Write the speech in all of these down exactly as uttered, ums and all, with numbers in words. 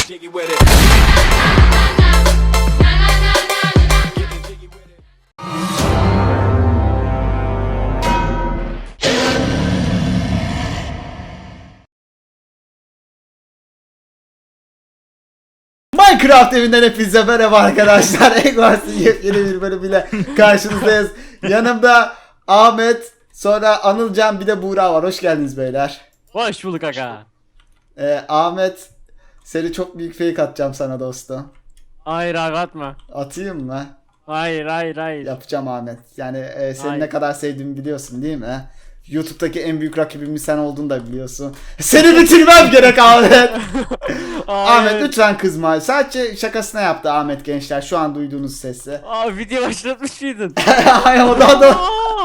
jiggy with it. Getting jiggy with it. Minecraft evinden hepinize merhaba arkadaşlar. Eggwars'ın yepyeni bir bölümüyle karşınızdayız. Yanımda Ahmet, sonra Anılcan, bir de Buğra var. Hoş geldiniz beyler. Hoş bulduk aga. Ee, Ahmet, seni çok büyük fake atacağım sana dostum. Hayır abi atma. Atayım mı? Hayır hayır hayır. Yapacağım Ahmet. Yani e, seni Hayır. ne kadar sevdiğimi biliyorsun değil mi? YouTube'daki en büyük rakibimin sen olduğunu da biliyorsun. Seni bitirmem gerek Ahmet. Ahmet lütfen kızma. Sadece şakasına yaptı Ahmet gençler. Şu an duyduğunuz sesi. Abi video başlatmış mıydın? Ay o da o da.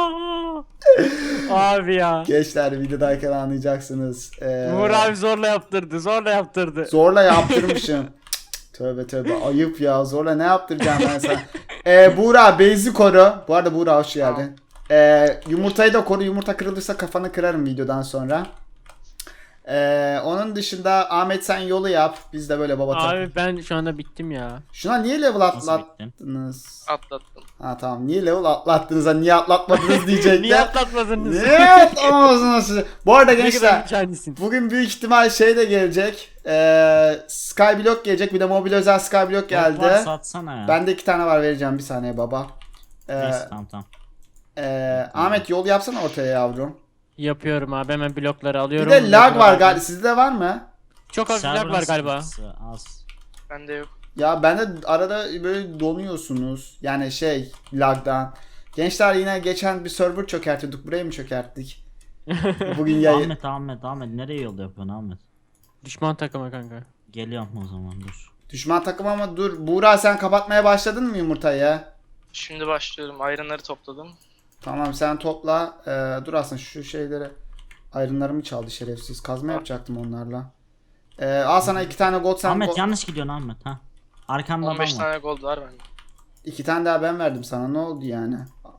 Abi ya. Gençler videodayken anlayacaksınız. Ee, Uğur abi zorla yaptırdı zorla yaptırdı. Zorla yaptırmışım. Tövbe tövbe ayıp ya, zorla ne yaptıracağım ben sana. Ee, Buğra base'i koru. Bu arada Buğra hoş geldin. Ee, yumurtayı da koru, yumurta kırılırsa kafanı kırarım videodan sonra. Ee, onun dışında Ahmet sen yolu yap. Biz de böyle baba takı- Abi ben şu anda bittim ya. Şuna niye level atlattınız? Atlattım. Ha tamam, niye level atlattınız, ha niye atlatmadınız diyecekler. Niye atlatmadınız? Niye atlamadınız siz? Bu arada Ne kadar gençler mükemmelsin. bugün büyük ihtimal şey de gelecek. Ee, Skyblock gelecek, bir de mobil özel Skyblock geldi. Varsa satsana ya. Bende iki tane var, vereceğim bir saniye baba. Ee, Neyse tamam tamam. e, Ahmet yol yapsana ortaya yavrum. Yapıyorum abi, hemen blokları Bir alıyorum. de lag var Blokları- galiba, sizde var mı? Çok hafif lag Server'ın var galiba. sıkıntısı Az. Bende yok. Ya bende arada böyle donuyorsunuz. Yani şey, lagdan. Gençler yine geçen bir server çökertiyorduk. Burayı mı çökerttik? Bugün yayın. Ahmet Ahmet Ahmet nereye yolda yapıyorsun Ahmet? Düşman takımı kanka. Geliyorum o zaman dur. Düşman takım ama dur. Buğra sen kapatmaya başladın mı yumurtayı? Şimdi başlıyorum. Ayranları topladım. Tamam sen topla. Ee, dur aslında şu şeyleri. Ayrınlarımı çaldı şerefsiz. Kazma Ah. yapacaktım onlarla. Ee, al sana iki tane gold, sen Ahmet go- yanlış gidiyorsun Ahmet ha. Arkanda on beş adam var. tane gold var bende. iki tane daha ben verdim sana. Ne oldu yani?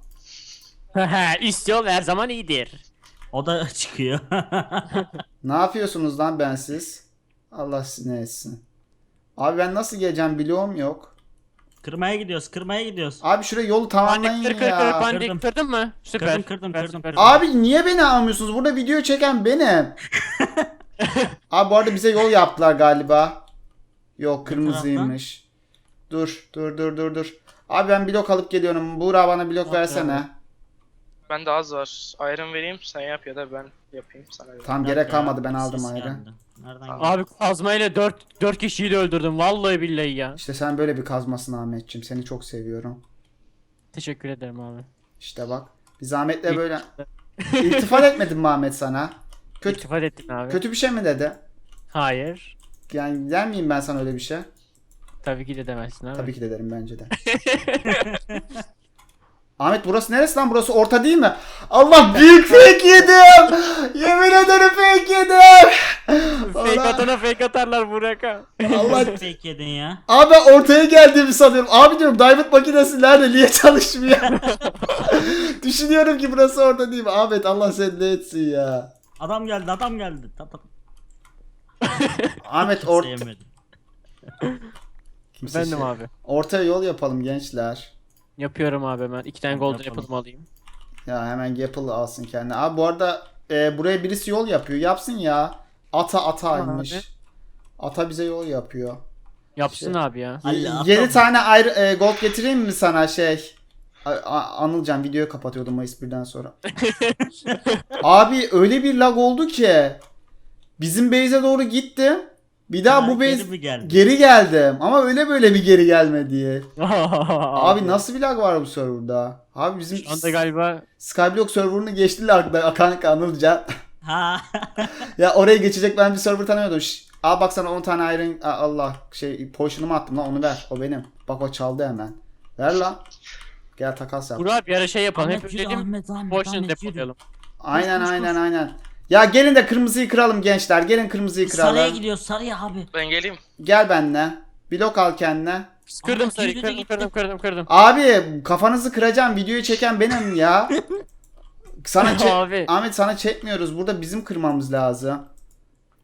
Üst yol her zaman iyidir. O da çıkıyor. Ne yapıyorsunuz lan bensiz? Allah sizi ne etsin. Abi ben nasıl geleceğim, bloğum yok. Kırmaya gidiyoruz kırmaya gidiyoruz. Abi şuraya yolu tamamlayın Pandik kır kır kır ya. pandik Kırdım. kırdın mı? Süper. Kırdım, kırdım, Süper, kırdım, süper. kırdım. Abi niye beni almıyorsunuz? Burada video çeken benim. Abi bu arada bize yol yaptılar galiba. Yok, kırmızıymış. Dur dur dur dur dur. Abi ben blok alıp geliyorum. Buğra bana blok Yok versene. Bende az var. Ayran vereyim sen yap ya da ben yapayım sana. ver. Tam Nerede gerek ya? kalmadı, ben aldım Ses ayrı. geldi. Nereden geldi? Abi kazmayla dört dört kişiyi de öldürdüm vallahi billahi ya. İşte sen böyle bir kazmasın Ahmetciğim. Seni çok seviyorum. Teşekkür ederim abi. İşte bak. Biz Ahmet'le böyle... İltifat etmedim mi Ahmet sana? Kötü, İltifat ettin abi. kötü bir şey mi dedi? Hayır. Yani der miyim ben sana öyle bir şey? Tabii ki de demezsin abi. Tabii ki de derim bence de. Ahmet burası neresi lan? Burası orta değil mi? Allah, büyük fake yedim. Yemin ederim fake yedim. Fake Allah. atana fake atarlar Burak'a. Allah. Nasıl fake yedin ya? Abi ben ortaya geldiğimi sanıyorum. Abi diyorum diamond makinesi nerede? Niye çalışmıyor? Düşünüyorum ki burası orta değil mi? Ahmet Allah seni ne etsin ya. Adam geldi adam geldi. Ta, ta. Ahmet orta... Sevmedim. Kimse Efendim şey- abi. Ortaya yol yapalım gençler. Yapıyorum abi hemen. İki tane golden Yapalım. apple alayım. Ya hemen Gapple alsın kendine. Abi bu arada e, buraya birisi yol yapıyor. Yapsın ya. Ata ataymış. Abi. Ata bize yol yapıyor. Yapsın Şey- abi ya. Ali, yedi atam. tane ayrı e, gold getireyim mi sana şey? A- A- Anılcan videoyu kapatıyordum Mayıs birden sonra. Abi öyle bir lag oldu ki bizim base'e doğru gittim. Bir daha Ha, bu geri base mi geldi? geri geldim ama öyle böyle bir geri gelmedi. Abi nasıl bir lag var bu serverda? Abi bizim Şu anda galiba Skyblock serverını geçtiler da kanka Anılcan. Ha. Ya oraya geçecek ben bir server tanıyordum. Şş, al bak sana on tane iron, Aa, Allah şey potion'umu attım lan, onu ver. O benim. Bak o çaldı hemen. Ver lan. Gel takas yap. Burak bir ara şey yapalım. Ahmet Hep yürü, dedim Ahmet, Ahmet, boşuna Ahmet, yürü. depolayalım. Aynen koş, koş, aynen koş. aynen. Ya gelin de kırmızıyı kıralım gençler. Gelin kırmızıyı Sarıya kıralım. gidiyoruz sarıya abi. Ben geleyim. Gel benimle. Blok al kendine. Kırdım Ahmet sarıyı yürü de kırdım gitti. kırdım kırdım kırdım. Abi kafanızı kıracağım. Videoyu çeken benim ya. Sana çek... Abi. Ahmet sana çekmiyoruz. Burada bizim kırmamız lazım.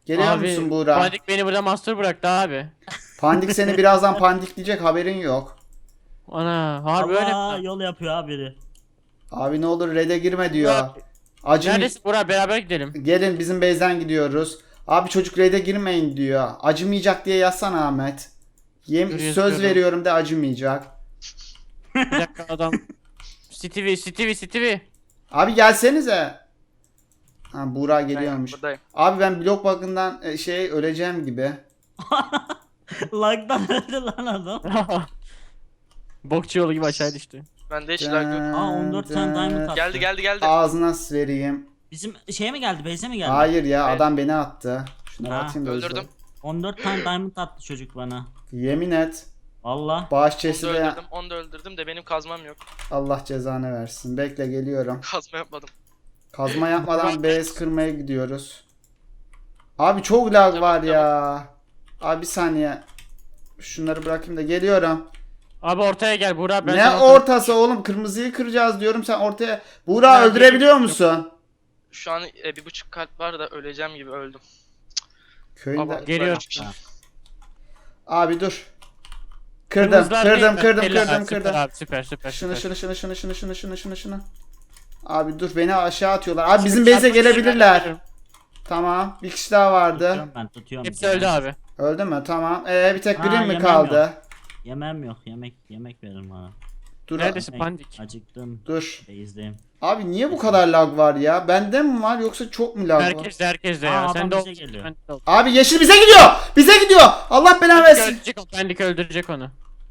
Geliyor Abi, musun Buğra? Pandik beni burada master bıraktı abi. Pandik seni birazdan pandikleyecek, haberin yok. Ana harbi öyle Allah mi? yol yapıyor ha biri. Abi ne olur red'e girme diyor. Abi, Acım Neredesin Burak, beraber gidelim. gelin bizim base'den gidiyoruz. Abi çocuk red'e girmeyin diyor. Acımayacak diye yazsana Ahmet. Yem Dur, söz yazıyorum. veriyorum de acımayacak. Bir dakika adam. Stevie, Stevie, Stevie. Abi gelsenize. Ha Buğra Ben geliyormuş. buradayım. Abi ben blok bug'ından e, şey öleceğim gibi. Lag'dan öldü lan adam. Bokçu yolu gibi aşağı düştü. Ben de hiç lag yok. Aa, on dört tane diamond attı. Geldi geldi geldi. Ağzına vereyim. Bizim şeye mi geldi? Base'e mi geldi? Hayır ya Evet. adam beni attı. Şuna Ha, bakayım da hızlı. Öldürdüm. on dört tane diamond attı çocuk bana. Yemin et. Valla. Bağış Onu çesi da de öldürdüm. Onu da öldürdüm de benim kazmam yok. Allah cezanı versin. Bekle geliyorum. Kazma yapmadım. Kazma yapmadan base kırmaya gidiyoruz. Abi çok lag Tamam, var ya. Abi bir saniye. Şunları bırakayım da geliyorum. Abi ortaya gel Burak, ben Ne sana- ortası oğlum? Kırmızıyı kıracağız diyorum, sen ortaya. Buğra Ya, öldürebiliyor musun? Şu an e, bir buçuk kalp var da öleceğim gibi öldüm. Köyünde. Ama- Geliyorum. Ha. Abi dur. Kırdım, Kırmızılar değil kırdım, mi? kırdım, Helal, kırdım, süper kırdım. Abi, süper süper Şunu, süper. şunu, şunu, şunu, şunu, şunu, şunu, şunu, şunu. Abi dur, beni aşağı atıyorlar. Abi bizim base'e gelebilirler. Tamam, bir kişi daha vardı. Tutuyorum ben tutuyorum. Hepsi öldü abi. Öldü mü? Tamam. Ee bir tek Ha, Green mi yemem kaldı? Yemem yok. Yemek yemek verin bana. Dur. Neredesin Yemek. Pandik? Acıktım. Dur. Base'deyim. Abi niye bu kadar lag var ya? Bende mi var yoksa çok mu lag var? Herkes de herkes de Aa, ya. adam Sen de bize ol. geliyor. Ben de ol. Abi yeşil bize gidiyor. Bize gidiyor. Allah belanı Pandik versin. öldürecek, o Pandik öldürecek onu.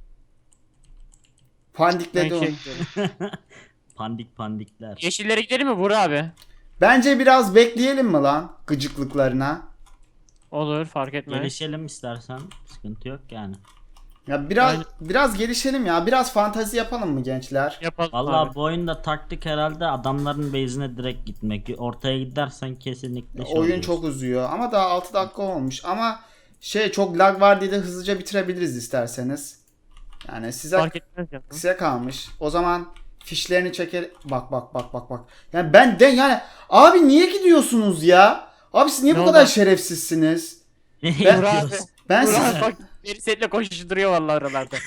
Ben Pandikledi onu. şey diyorum. Pandik pandikler. Yeşillere gidelim mi Burak abi? Bence biraz bekleyelim mi lan gıcıklıklarına? Olur, fark etmez. Gelişelim istersen. Sıkıntı yok yani. Ya biraz Aynen. biraz gelişelim ya. Biraz fantazi yapalım mı gençler? Yapalım Vallahi abi. bu oyunda taktik herhalde adamların base'ine direkt gitmek. Ortaya gidersen kesinlikle şey Oyun oluyorsun. çok uzuyor ama daha altı dakika olmuş. Ama şey çok lag var diye de hızlıca bitirebiliriz isterseniz. Yani size Fark etmez ya. size kalmış. O zaman fişlerini çeker. Bak bak bak bak bak. Yani ben de yani abi niye gidiyorsunuz ya? Abi siz niye Ne bu oldu? kadar şerefsizsiniz? Ne Ben- Burak abi. yapıyorsun? Ben siz, Burak bak beni seninle koşuşturuyor vallahi aralarda.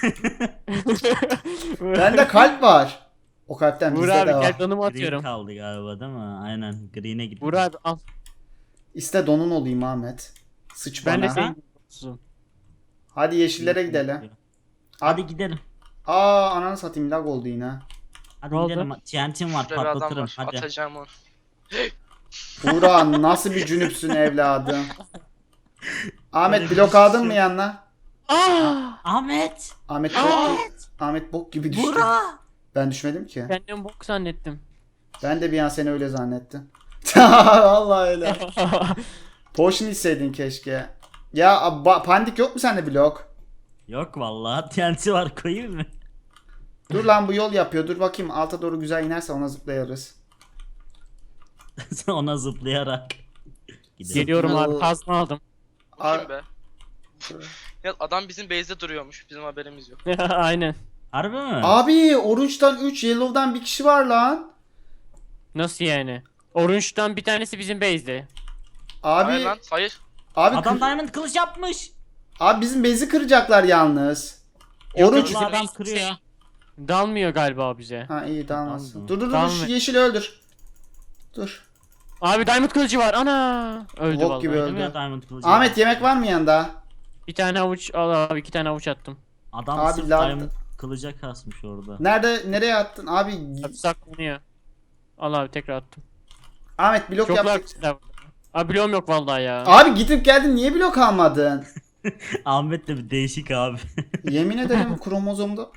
bende kalp var. O kalpten bizde Burak de abi var. gel donumu Green atıyorum. kaldı galiba değil mi? Aynen. Green'e gitti. Burak abi al. İste donun olayım Ahmet. Sıç Ben de bana. senin gibi. Hadi yeşillere gidelim. Hadi gidelim. Aa ananı satayım, lag oldu yine. Hadi Ne oldu? gidelim. T N T'm var Şurada bir adam patlatırım. var. Hadi. Atacağım onu. Buğra nasıl bir cünüpsün evladım. Ahmet Böyle bir blok aldın şey mı yok. yanına? Aa! Ahmet. Ahmet bok, Ahmet bok gibi düştü. Bura. Ben düşmedim ki. Kendimi bok zannettim. Ben de bir an seni öyle zannettim. Vallahi öyle. Potion içseydin keşke. Ya ba- pandik yok mu sende blok? Yok vallahi T N T var koyayım mı? Dur lan bu yol yapıyor. Dur bakayım alta doğru güzel inerse ona zıplayarız. Ona zıplayarak. Gidelim. Geliyorum Zıplı- abi, kazma aldım. Bu Aa. kim be? Ya adam bizim base'de duruyormuş. Bizim haberimiz yok. Aynen. Harbi mi? Abi Orange'dan üç, Yellow'dan bir kişi var lan. Nasıl yani? Orange'dan bir tanesi bizim base'de. Abi Hayır lan. Hayır. abi Adam kır- diamond kılıç yapmış. abi bizim bezi kıracaklar yalnız. Yok, Orange yok, Vallahi adam base kırıyor. şey- Dalmıyor galiba bize. Ha iyi dalmasın. Tamam. Dur dur dur Tamam. şu yeşili öldür. Dur. Abi diamond kılıcı var. Ana! Öldü Bok vallahi. gibi Değil mi ya öldü. diamond kılıcı? Ahmet yemek var mı yanında? Bir tane avuç al abi, iki tane avuç attım. Adam Abi sırf lan- diamond kılıca kasmış orada. Nerede nereye attın? Abi Abi saklanıyor. Al abi, tekrar attım. Ahmet blok Çok yap. lag. Abi bloğum yok vallahi ya. Abi gidip geldin niye blok almadın? Ahmet de bir değişik abi. Yemin ederim kromozomda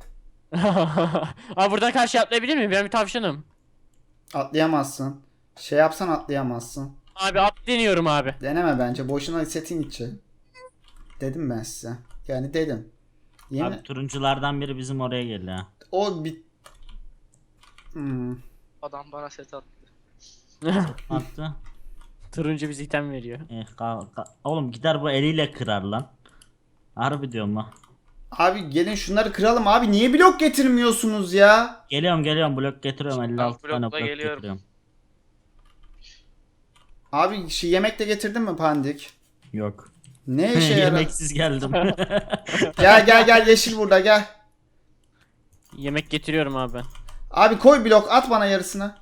Abi buradan karşı atlayabilir miyim? Ben bir tavşanım. atlayamazsın. Şey yapsan atlayamazsın. Abi at deniyorum abi. Deneme bence. Boşuna setin içi. Dedim ben size. Yani dedim. Yemin Abi turunculardan biri bizim oraya geldi ha. o bir hmm. Adam bana set attı. Attı. Turuncu bize item veriyor. Eh, ka- ka- Oğlum gider bu eliyle kırar lan. Harbi diyorum ha. Abi gelin şunları kıralım abi. Niye blok getirmiyorsunuz ya? Geliyorum geliyorum blok getiriyorum elli altı blokla tane blok geliyorum. getiriyorum. Abi şey, yemek de getirdin mi Pandik? Yok. Ne işe yarar? Yemeksiz geldim. Gel gel gel, yeşil burada gel. Yemek getiriyorum abi ben. Abi koy blok, at bana yarısını.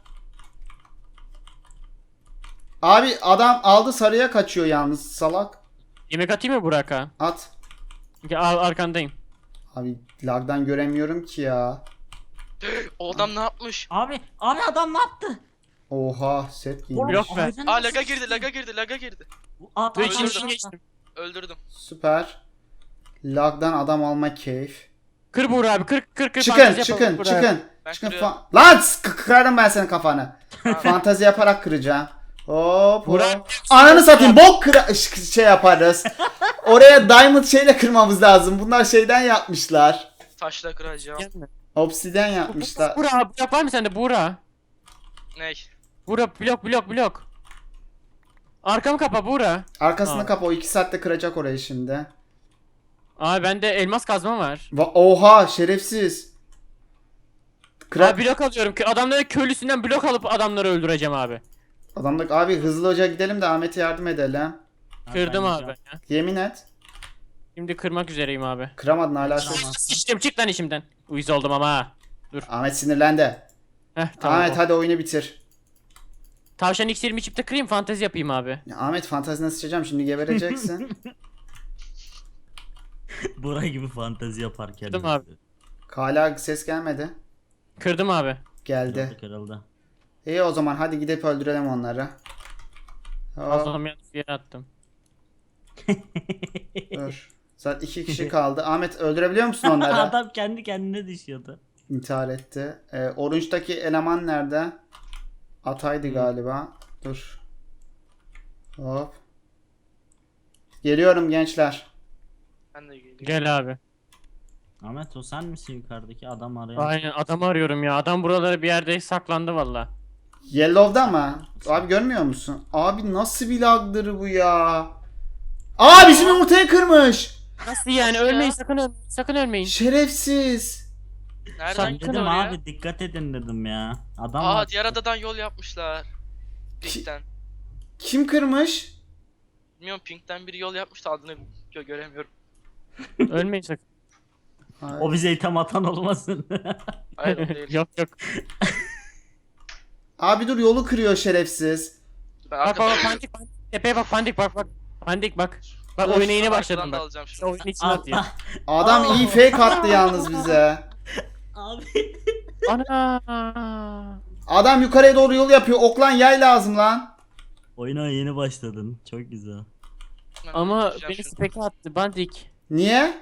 Abi adam aldı, sarıya kaçıyor yalnız salak. Yemek atayım mı Burak'a? At. Gel, al, arkandayım. Abi lagdan göremiyorum ki ya. O adam ne yapmış? Abi abi adam ne yaptı? Oha, set giymiş. Blok ver. Aynen Aa nasıl laga girdi sıçtı? laga girdi laga girdi. At, Dur at, içinden at, at. geçtim. Öldürdüm. Süper. Lagdan adam alma keyif. Kır Burak abi kır kır kır. Çıkın fantezi çıkın yapalım Burak abi. çıkın. Ben Çıkın kırıyorum. fa- Lan s- kırarım ben senin kafanı. Fantazi yaparak kıracağım. Hop Burak- hop. Ananı satayım, bok kıra ş- şey yaparız. Oraya diamond şeyle kırmamız lazım. Bunlar şeyden yapmışlar. Taşla kıracağım. Gelme. Obsidyen yapmışlar. Burak abi, blok var mı sende Burak? Ney? Burak blok blok blok. Arkamı kapa Burak. Arkasını Aa. kapa, o iki saatte kıracak orayı şimdi. Abi bende elmas kazma var. Va- Oha şerefsiz. Kıra- Abi blok alıyorum. Kö- Adamların köylüsünden blok alıp adamları öldüreceğim abi. Adamlık abi, hızlı hoca gidelim de Ahmet'e yardım edelim. Ha, Kırdım ben abi. yiyeceğim. Ya. Yemin et. Şimdi kırmak üzereyim abi. Kıramadın hala. Kıramaz. Sıçtım çık lan işimden. Uyuz oldum ama ha. Ahmet sinirlendi. Heh tamam. Ahmet hadi oyunu bitir. Tavşan iksirimi içip de kırayım fantezi yapayım abi. Ya Ahmet fantazine sıçacağım şimdi, gebereceksin. Bura gibi fantezi yaparken. Kırdım abi. Hala ses gelmedi. Kırdım abi. Geldi. Kırıldı kırıldı. İyi o zaman hadi gidip öldürelim onları. Hop, Fazlalım yanlış bir yere attım. dur. Zaten iki kişi kaldı. Ahmet öldürebiliyor musun onları? Adam kendi kendine düşüyordu. İntihar etti. Ee, Orange'daki eleman nerede? Ataydı galiba. Dur. Hop. Geliyorum gençler. Ben de geleyim. Gel abi. Ahmet o sen misin yukarıdaki adam arayan? Aynen adamı arıyorum ya. Adam buralara bir yerde saklandı valla. Yellow'da mı? Abi görmüyor musun? Abi nasıl bir lagdır bu ya? Aa bizim yumurtayı kırmış. Nasıl yani? Nasıl ya? Ölmeyin sakın ölmeyin. Sakın ölmeyin. Şerefsiz. Nereden Sen gitti Dedim oraya? abi dikkat edin dedim ya. Adam Aa var. diğer adadan yol yapmışlar. Pink'ten. Kim kırmış? Bilmiyorum Pink'ten biri yol yapmış da adını gö- göremiyorum. Ölmeyin sakın. Ay. O bize item atan olmasın. Hayır o değil. yok yok. Abi dur, yolu kırıyor şerefsiz. Ben Bak arkadan, bak pandik pandik. Tepeye bak pandik bak bak. Pandik bak. Bak Dur. oyuna yeni arkadan başladım da bak. alacağım İşte şimdi. oyunun içine atıyor. Allah. Adam iyi fake attı yalnız bize. Abi. Ana. Adam yukarıya doğru yol yapıyor. Oklan yay lazım lan. Oyuna yeni başladın. Çok güzel. Ben Ama yapacağım beni şimdi. speke attı bandik. Niye?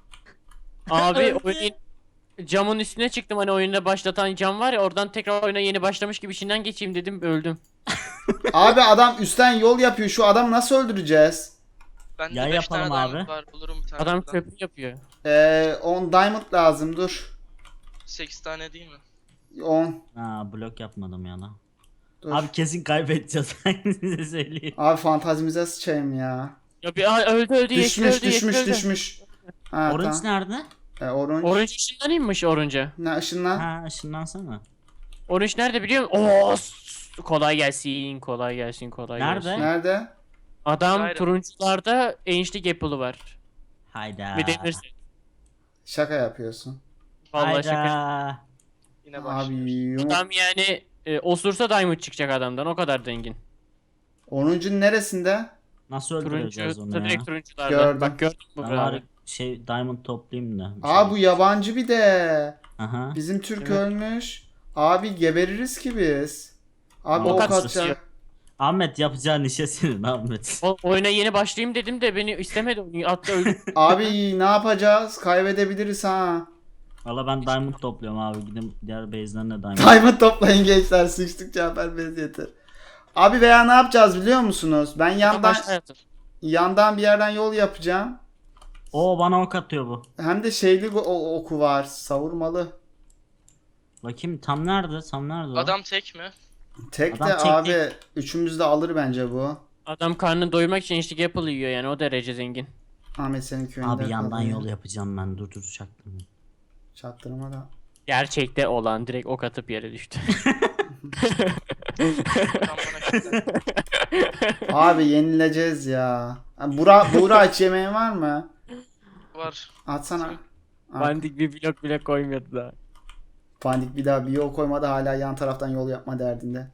Abi Öldü. oyun camın üstüne çıktım hani oyunda başlatan cam var ya oradan tekrar oyuna yeni başlamış gibi içinden geçeyim dedim öldüm. Abi adam üstten yol yapıyor. Şu adamı nasıl öldüreceğiz? Bende Yay beş tane yapalım abi. diamond var. Bulurum bir tane. Adam buradan. köprü yapıyor. Ee, on diamond lazım, dur. sekiz tane değil mi? on. Ha blok yapmadım yana. Dur. Abi Abi, kesin kaybedeceğiz. Ben size söyleyeyim. fantazimize sıçayım ya. Ya bir aa, öldü öldü yeşil Düşmüş öldü yeşil düşmüş öldü. düşmüş. Ha, Orange tamam. nerede? Ee, orange. Orange ışınlanayımmış Orange'a. Ne ışınlan? Ha ışınlansana. Orange nerede biliyor musun? Oo, s- kolay gelsin kolay gelsin kolay Nerede? gelsin. Nerede? Adam Aynen. turuncularda Ancient Apple'ı var. Hayda. Bir demirse. Şaka yapıyorsun. Vallahi şaka. Hayda. Yine Abi başlıyoruz. yumurt. Adam yani e, osursa diamond çıkacak adamdan o kadar dengin. onuncunun neresinde? Nasıl öldüreceğiz Turuncu, onu ya? direkt turuncularda. Gördüm. Bak gördün mü Ben bravo. var şey diamond toplayayım da. bir Aa şey. bu yabancı bir de. Aha. Bizim Türk Evet. ölmüş. Abi gebeririz ki biz. Abi Ok ok atıyor. atacak. Ahmet yapacağın işe senin Ahmet. O, oyuna yeni başlayayım dedim de beni istemedi. Attı öldü. Abi ne yapacağız? Kaybedebiliriz ha. Valla ben diamond topluyorum abi. Gidin diğer base'den de diamond. Diamond toplayın gençler. Sıçtık Cafer bez yeter. Abi veya ne yapacağız biliyor musunuz? Ben yandan Başla yaptım. yandan bir yerden yol yapacağım. Oo bana ok atıyor bu. Hem de şeyli bu o- oku var. Savurmalı. Bakayım tam nerede? Tam nerede o? Adam tek mi? Tek Adam de tek abi tek. üçümüz de alır bence bu. Adam karnını doyurmak için Ancient Apple yiyor yani o derece zengin. Ahmet senin köyünde Abi yandan kalıyor. yol yapacağım ben. Dur dur çaktım. Çaktırma da. Gerçekte olan direkt ok atıp yere düştü. Tam bana şöyle. Abi yenileceğiz ya. Ha, Bura, Buğra hiç yemeğin var mı? Var. Atsana. At. Bandik bir blok bile koymuyordu daha. Pandik bir daha bir yol koymadı, hala yan taraftan yol yapma derdinde.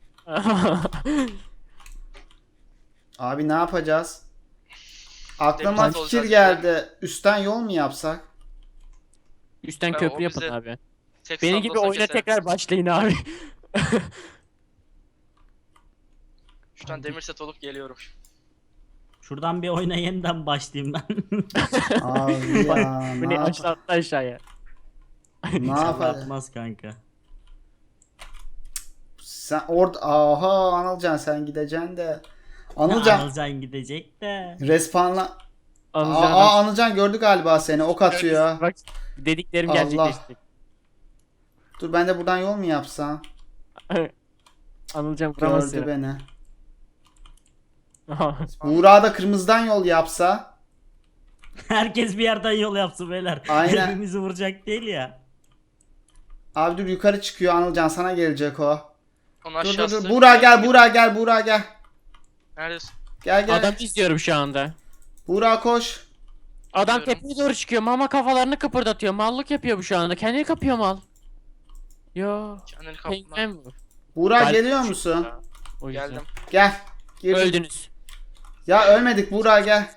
Abi ne yapacağız? Aklıma Demir fikir olacak geldi. Üstten yol mu yapsak? Üstten Ya, köprü o yapın bize abi. Tek Benim sanda gibi olsa oyuna keser. tekrar başlayın abi. Şuradan demir set olup geliyorum. Şuradan bir oyuna yeniden başlayayım ben. Abi ya Bu ne, ne yap aşağı atla aşağıya. ne İnşallah yapalım? atmaz kanka. Sen orada aha Anılcan sen gideceksin de. Anılcan. Anılcan Anılcan gidecek de. respawnla. Anılcan Aa Anılcan gördü galiba seni, ok atıyor. Bak dediklerim Allah. gerçekleşti. Dur ben de buradan yol mu yapsam? Anılcan vuramaz Gördü seni. beni. Buğra da kırmızıdan yol yapsa. Herkes bir yerden yol yapsın beyler. Aynen. Hepimizi vuracak değil ya. Abi dur yukarı çıkıyor Anılcan, sana gelecek o. Onun Dur dur aşağısı. dur. Buğra gel, Buğra gel, Buğra gel. Neredesin? Gel gel. Adam izliyorum şu anda. Buğra koş. Adam Biliyorum. tepeye doğru çıkıyor. Mama kafalarını kıpırdatıyor. Mallık yapıyor bu şu anda. Kendini kapıyor mal. Yo. Kendini kapma. Penguen bu. Buğra Galip geliyor düştü musun? ya. O yüzden. Geldim. Gel. Girdik. Öldünüz. Ya ölmedik Buğra gel.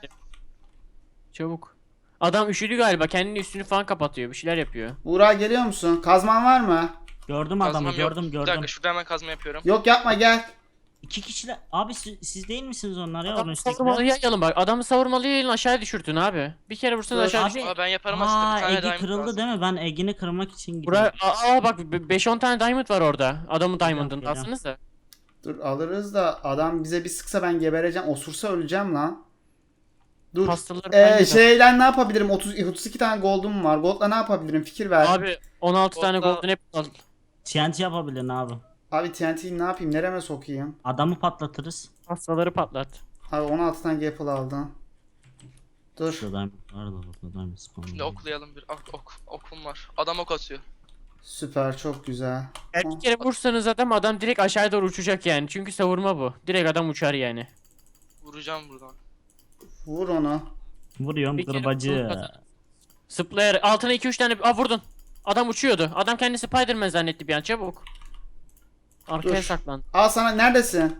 Çabuk. Adam üşüdü galiba. Kendini üstünü falan kapatıyor. Bir şeyler yapıyor. Buğra geliyor musun? Kazman var mı? Gördüm adamı Kazmam yok. gördüm Bir gördüm. dakika şurada hemen kazma yapıyorum. Yok yapma gel. İki kişiler. Abi siz, siz değil misiniz onlar ya? Adamı Onun savurmalı üsttekiler? yayalım bak. Adamı savurmalı yayalım, aşağı düşürtün abi. Bir kere vursanız Dur. aşağı Abi- düşürtün. Aa ben yaparım aslında Aa bir tane Egi diamond kırıldı lazım. değil mi? Ben Egi'ni kırmak için Buraya gidiyorum. aa aa, bak beş on tane diamond var orada. Adamın diamond'ını geliyorum. alsanız da. Dur alırız da adam bize bir sıksa ben gebereceğim. Osursa öleceğim lan. Dur. Hastaları Ee, ben de- şeyle ne yapabilirim? otuz otuz iki tane gold'um var. Gold'la ne yapabilirim? Fikir ver. Abi, Abi on altı tane Gold'da- golden apple al. T N T yapabilin abi. T N T'yi ne yapayım? Nereme sokayım? Adamı patlatırız. Hastaları patlat. Abi on altı tane apple aldım. Dur. Şurada diamond var da burada diamond spawn. Şimdi oklayalım bir. Ok, ok, okum var. Adam ok atıyor. Süper, çok güzel. Yani bir kere vursanız adam adam direkt aşağıya doğru uçacak yani. Çünkü savurma bu. Direkt adam uçar yani. Vuracağım buradan. Vur onu. Vuruyorum Bir kere kırbacı. vurun kadar. Zıplayarak altına iki üç tane aa vurdun. Adam uçuyordu. Adam kendini Spider-Man zannetti bir an, çabuk. Arkaya Dur. saklan. Al sana, neredesin?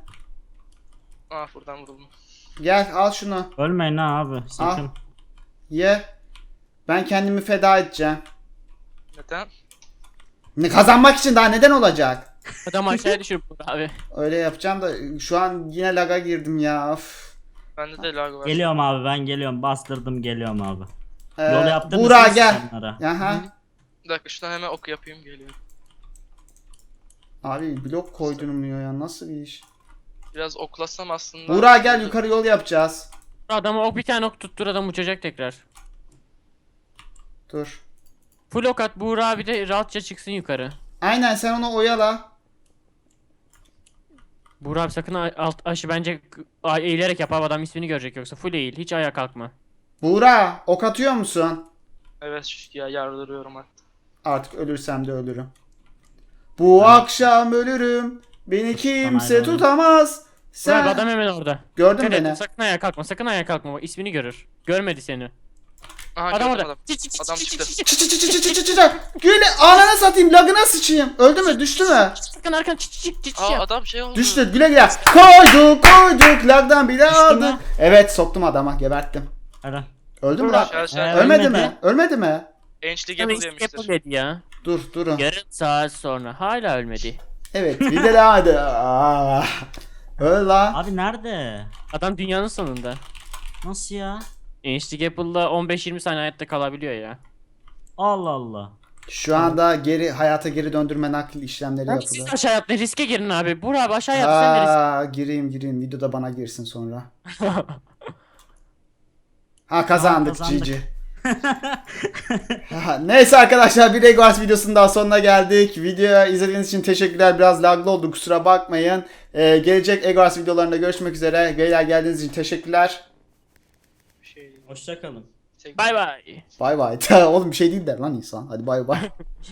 Aa buradan vuruldum. Gel al şunu. Ölmeyin ha abi sakın. Ye. Ben kendimi feda edeceğim. Neden? Ne kazanmak için, daha neden olacak? Adam aşağıya düşürüp vur abi. Öyle yapacağım da şu an yine laga girdim ya. Of. Bende de lag var. Geliyorum abi ben geliyorum. Bastırdım geliyorum abi. Ee, Yol yaptınız Buğra mı gel. insanlara? Aha. Bir dakika şuradan hemen ok yapayım geliyorum. Abi blok koydurmuyor ya, nasıl bir iş? Biraz oklasam aslında. Buğra gel, yukarı yol yapacağız. Adama ok bir tane ok tuttur, adam uçacak tekrar. Dur. Full ok at, Buğra abi de rahatça çıksın yukarı. Aynen, sen onu oyala. Buğra abi sakın a- alt aşı bence a- eğilerek yap abi, adam ismini görecek yoksa full eğil, hiç ayağa kalkma. Buğra ok atıyor musun? Evet şu- ya yardırıyorum hatta. Artık ölürsem de ölürüm. Bu akşam ölürüm. Beni kimse aynen. tutamaz. Buğra abi Sen adam hemen orada. gördün Dikkat et, beni. sakın ayağa kalkma, sakın ayağa kalkma, bak ismini görür. Görmedi seni. Aha Adam gördüm orada. adam. Çık, çık, çık, Adam çık, çıktı. çık, çık, Çı çı çı çı çı çı çı çı. Güle anana satayım, lagına sıçayım. Öldü mü? Düştü mü? Sakın arkan çık çık çık çık Aa yap. adam şey oldu. Düştü. Güle güle. Koyduk koyduk. Lagdan bile Düştü aldık. mü? Evet, soktum adama. Geberttim. Hadi. Öldü mü Buğra. lan? Aşağı Ee, aşağı. Ölmedi ölmedi. mi? Ölmedi mi? Enchli Ama Gapple işte yemiştir. Apple dedi ya. Dur durun. Yarım saat sonra hala ölmedi. Evet bir de hadi. Aa. Öl lan. Abi nerede? Adam dünyanın sonunda. Nasıl ya? Enchli Apple'da on beş yirmi saniye hayatta kalabiliyor ya. Allah Allah. Şu anda geri hayata geri döndürme nakil işlemleri Abi siz yapılıyor. aşağı atlayın, riske girin abi. Burak abi aşağı yat, sen de riske. Aa, gireyim gireyim. Videoda bana girsin sonra. Ha kazandık, Tamam, kazandık. G G. Ha, Neyse arkadaşlar, bir Eggwars videosunun daha sonuna geldik. Videoyu izlediğiniz için teşekkürler. Biraz laglı oldu, kusura bakmayın. Ee, gelecek Eggwars videolarında görüşmek üzere. Beyler geldiğiniz için teşekkürler. Bir şey. Hoşçakalın. Tek- Bay bay. Bay bay. Oğlum bir şey değil der lan insan. Hadi bay bay.